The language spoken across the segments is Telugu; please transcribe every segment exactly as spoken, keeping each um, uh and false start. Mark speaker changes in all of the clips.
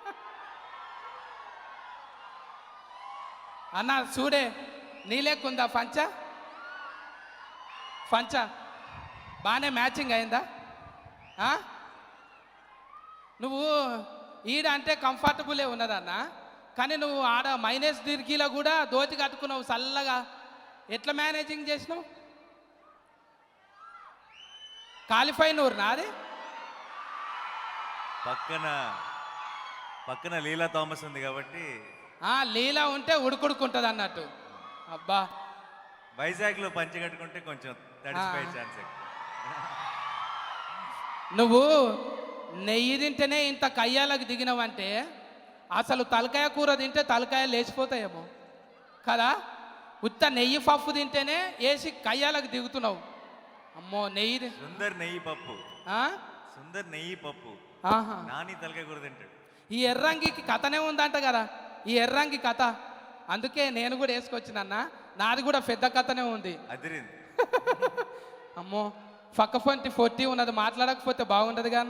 Speaker 1: అన్న చూడే నీలేకుందా పంచ పంచ బాగానే మ్యాచింగ్ అయిందా ఆ? నువ్వు ఈడ అంటే కంఫర్టబులే ఉన్నదన్న, కానీ నువ్వు ఆడ మైనస్ డిగ్రీలో కూడా దోతి కట్టుకున్నావు చల్లగా. ఎట్లా మేనేజింగ్ చేసినావు? క్వాలిఫై నూరు నాది
Speaker 2: పక్కన పక్కన లీలా థామస్ ఉంది కాబట్టి
Speaker 1: లీలా ఉంటే ఉడుకుడుకుంటుంది అన్నట్టు. అబ్బా
Speaker 2: వైజాగ్ లో పంచి కట్టుకుంటే కొంచెం తడిసిపోయే ఛాన్స్.
Speaker 1: నువ్వు నెయ్యి తింటేనే ఇంత కయ్యాలకు దిగినావంటే అసలు తలకాయ కూర తింటే తలకాయ లేచిపోతాయేమో కదా. ఉత్త నెయ్యి పప్పు తింటేనే వేసి కయ్యాలకు దిగుతున్నావు. అమ్మో నెయ్యి
Speaker 2: సుందర్ నెయ్యి పప్పు సుందర్ నెయ్యి పప్పు నాని తలకాయ కూర తింటాడు.
Speaker 1: ఈ ఎర్రంగికి కథనే ఉందంట కదా, ఈ ఎర్రంగి కథ. అందుకే నేను కూడా వేసుకొచ్చినన్నా, నాది కూడా పెద్ద కథనే ఉంది.
Speaker 2: అదిరింది.
Speaker 1: అమ్మో పక్క పంటి ఫోర్టీ ఉన్నది, మాట్లాడకపోతే బాగుండదు కదా అన్న.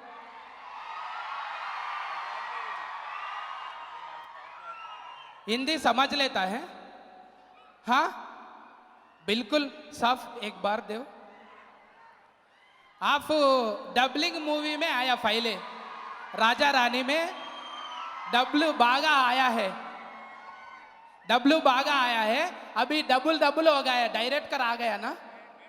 Speaker 1: हिंदी समझ लेता है? हाँ बिल्कुल साफ. एक बार दो. आप डबलिंग मूवी में आया पहले, राजा रानी में डब्लू बागा आया है, डब्लू बागा आया है. अभी डबल डबल हो गया, डायरेक्ट कर आ गया ना.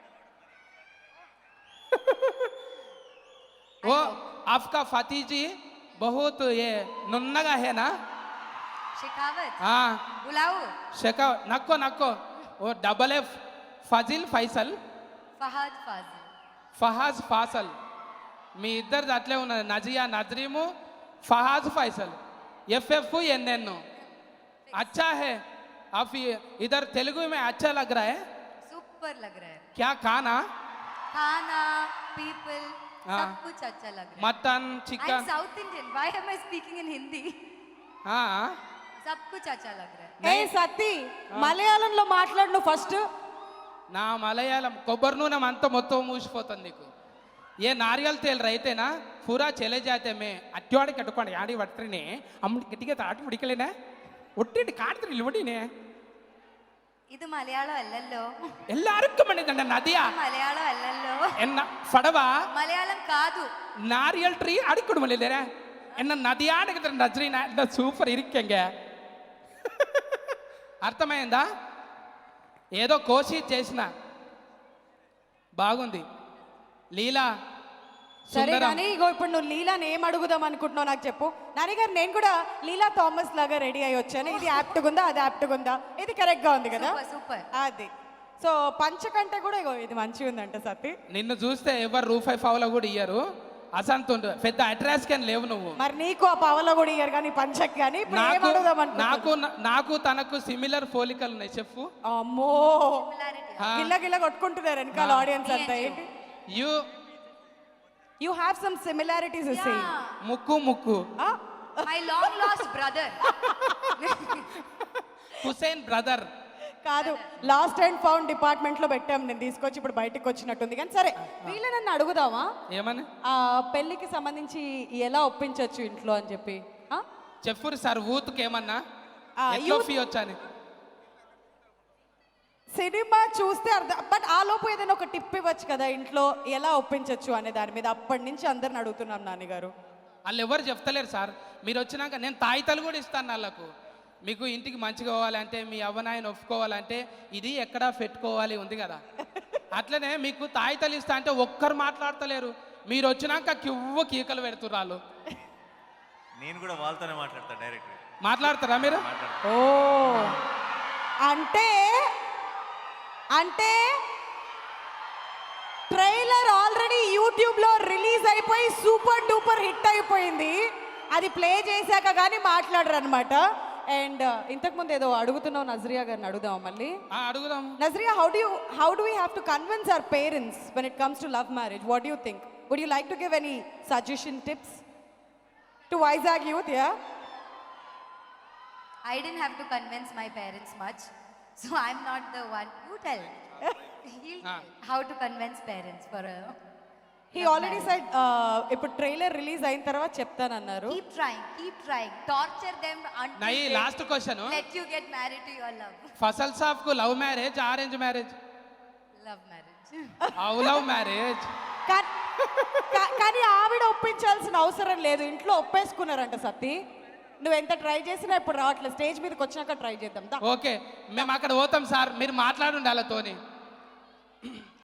Speaker 1: वो आपका फती जी बहुत ये नुन्नगा है ना.
Speaker 3: शेखावत.
Speaker 1: हाँ
Speaker 3: बुलाओ.
Speaker 1: शेखावत नक्को नक्को. वो डबल एफ ఫజిల్ ఫైసల్
Speaker 3: ఫహాద్ ఫాజిల్
Speaker 1: ఫహాజ్ ఫాసల్ మీ ఇద్దరిది అట్లే ఉన్నది. నజియా నజరీము ఫహాజ్ ఫైసల్ ఎఫ్ఎఫ్ ఎన్ఎన్. अच्छा है आप इधर तेलुगु में अच्छा लग रहा है.
Speaker 3: सुपर लग रहा है.
Speaker 1: क्या खाना
Speaker 3: खाना पीपल सब कुछ अच्छा लग रहा है.
Speaker 1: Mutton chicken.
Speaker 3: I am South Indian, why am I speaking in Hindi.
Speaker 1: हाँ
Speaker 3: सब कुछ अच्छा लग रहा है.
Speaker 4: ఏ సత్తి మలయాళంలో మాట్లాడు నువ్వు ఫస్ట్.
Speaker 1: నా మలయాళం కొబ్బరి నూనె అంతా మొత్తం మూసిపోతుంది నీకు. ఏ నారియల్ తేల్ రైతేనా పూరా చెలే జాతే మే అట్టివాడి కట్టుకోండి ఆడి పడుతునే అమ్మ గట్టిగా తాటి పిడికలేనా ఒట్టి కాడుతున్న ఇల్లుడినే.
Speaker 3: ഇത് മലയാളം അല്ലല്ലോ.
Speaker 1: എല്ലാവർക്കും വേണ്ടിട്ടുണ്ട് നദിയാ.
Speaker 3: മലയാളം അല്ലല്ലോ.
Speaker 1: എന്ന ഫടവാ
Speaker 3: മലയാളം കാതു.
Speaker 1: നാരിയൽ ട്രീ അടിക്കൊടു മല്ലേരാ എന്ന നദിയാടുകിட்ட నజరీనా ఎంత సూపర్ ఇరిక్కంగ. అర్థమైందా? ఏదో కోసి చేసిన బాగుంది. లీలా
Speaker 4: సరే కానీ ఇగో ఇప్పుడు నువ్వు లీలాని ఏం అడుగుదాం అనుకుంటున్నావు నాకు చెప్పు. నాని గారు నేను కూడా లీలా థామస్ లాగా రెడీ అయ్యి వచ్చాను. ఇది యాప్ట్గా ఉందా, అది యాప్ట్గా ఉందా? ఇది కరెక్ట్గా ఉంది కదా.
Speaker 3: సూపర్.
Speaker 4: అది సో పంచ కంటే కూడా ఇగో ఇది మంచిగా ఉందంట సత్తి.
Speaker 1: నిన్ను చూస్తే ఎవరు రూపాయి పావులో కూడా ఇయ్యరు. అసంతుండు పెద్ద అడ్రస్ కానీ లేవు నువ్వు.
Speaker 4: మరి నీకు ఆ పావలో కూడా ఇయ్యరు కానీ పంచక్ కానీ
Speaker 1: నాకు నాకు నాకు తనకు సిమిలర్ పోలికలు ఉన్నాయి చెప్పు.
Speaker 4: అమ్మో గిల్ల గిల్ల కొట్టుకుంటున్నారు వెనకాల ఆడియన్స్ అంతా. ఏంటి
Speaker 1: you
Speaker 4: you have some similarities say.
Speaker 1: ముక్కు ముక్కు
Speaker 3: my long lost brother.
Speaker 1: Hussain brother
Speaker 4: కాదు, లాస్ట్ అండ్ ఫౌండ్ డిపార్ట్మెంట్ లో పెట్టాం. నేను తీసుకొచ్చి ఇప్పుడు బయటకు వచ్చినట్టుంది. కానీ సరే వీళ్ళ నన్ను అడుగుదామా
Speaker 1: ఏమని
Speaker 4: ఆ పెళ్లికి సంబంధించి ఎలా ఒప్పించవచ్చు ఇంట్లో అని చెప్పి
Speaker 1: చెప్పురు సార్. ఊతుకు ఏమన్నా వచ్చాని
Speaker 4: సినిమా చూస్తే అర్థం. బట్ ఆ లోపు ఏదైనా ఒక టిప్ ఇవ్వచ్చు కదా ఇంట్లో ఎలా ఒప్పించవచ్చు అనే దాని మీద. అప్పటి నుంచి అందరిని అడుగుతున్నాం నాన్నగారు.
Speaker 1: వాళ్ళు ఎవరు చెప్తలేరు సార్. మీరు వచ్చినాక నేను తాయితలు కూడా ఇస్తాను వాళ్ళకు. మీకు ఇంటికి మంచిగా పోవాలంటే, మీ అవ్వనాయన ఒప్పుకోవాలంటే ఇది ఎక్కడ పెట్టుకోవాలి ఉంది కదా. అట్లనే మీకు తాయితలు ఇస్తా అంటే ఒక్కరు మాట్లాడతలేరు. మీరు వచ్చినాక కివ్వ కీకలు పెడుతున్నారు వాళ్ళు.
Speaker 2: నేను కూడా వాళ్ళతోనే మాట్లాడతా డైరెక్ట్.
Speaker 1: మాట్లాడతారా మీరు?
Speaker 4: ఓ అంటే అంటే ట్రైలర్ ఆల్రెడీ యూట్యూబ్ లో రిలీజ్ అయిపోయి సూపర్ డూపర్ హిట్ అయిపోయింది. అది ప్లే చేశాక కానీ మాట్లాడరు అనమాట. అండ్ ఇంతకు ముందు ఏదో అడుగుతున్నావు నజరియా గారిని, అడుగుదాం మళ్ళీ.
Speaker 1: అడుగుదాం.
Speaker 4: Nazriya, how do you how do we have to convince our parents when it comes to love marriage? What do you think? Would you like to give any suggestion tips to Vizag youth? Yeah
Speaker 3: I didn't have to convince my parents much, so I'm not the one. You tell. He'll tell how to convince parents for a.
Speaker 4: He already side ఇప్పుడు ట్రైలర్ రిలీజ్ అయిన తర్వాత చెప్తానన్నారు.
Speaker 3: Keep trying, keep trying. Torture them until
Speaker 1: నై
Speaker 3: they
Speaker 1: last question
Speaker 3: let you get married to your love.
Speaker 1: ఫసల్ సాఫ్ కు love marriage arrange marriage
Speaker 3: Love marriage.
Speaker 1: అవు లవ్ మ్యారేజ్
Speaker 4: కా- కా- కానీ ఆవిడ ఒప్పించాల్సిన అవసరం లేదు, ఇంట్లో ఒప్పేసుకున్నారంట సత్తి. నువ్వు ఎంత ట్రై చేసినా ఇప్పుడు రావట్లేదు, స్టేజ్ మీదకి వచ్చినాక ట్రై చేద్దాం దా.
Speaker 1: ఓకే మేము అక్కడ పోతాం సార్, మీరు మాట్లాడుండి వాళ్ళతోని